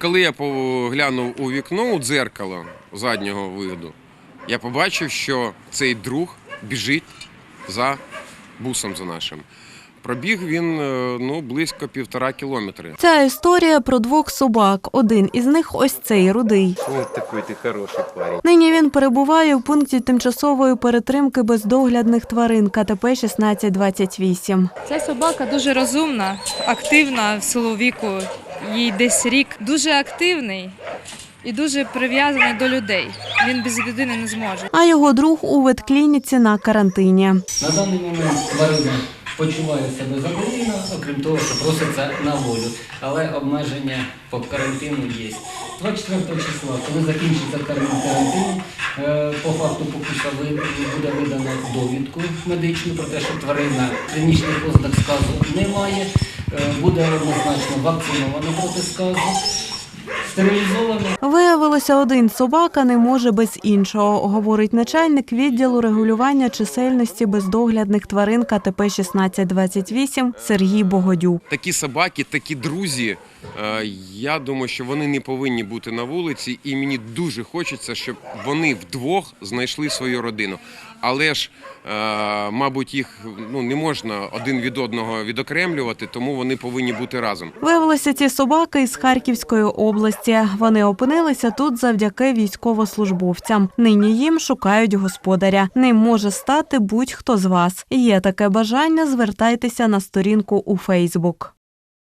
коли я поглянув у вікно, у дзеркало заднього виду, я побачив, що цей друг біжить за бусом за нашим. Пробіг він близько 1,5 кілометри. Ця історія про двох собак. Один із них ось цей рудий. Ось такий ти хороший парень. Нині він перебуває в пункті тимчасової перетримки бездоглядних тварин КТП 1628. Ця собака дуже розумна, активна в силу віку, їй десь рік. Дуже активний і дуже прив'язаний до людей. Він без людини не зможе. А його друг у ветклініці на карантині. На даний момент тварина почуває себе задоволено, окрім того, що проситься на волю. Але обмеження по карантину є. 24 числа, коли закінчиться карантин, по факту покуса буде видано довідку медичну про те, що тварина клінічних ознак сказу не має, буде однозначно вакцинована проти сказу. Стерилізовано. Виявилося, один собака не може без іншого, говорить начальник відділу регулювання чисельності бездоглядних тварин КТП 1628 Сергій Богодюк. Такі собаки, такі друзі, я думаю, що вони не повинні бути на вулиці, і мені дуже хочеться, щоб вони вдвох знайшли свою родину. Але ж, мабуть, їх не можна один від одного відокремлювати, тому вони повинні бути разом. Виявилися ці собаки із Харківської області. Вони опинилися тут завдяки військовослужбовцям. Нині їм шукають господаря. Ним може стати будь-хто з вас. Є таке бажання, звертайтеся на сторінку у Фейсбук.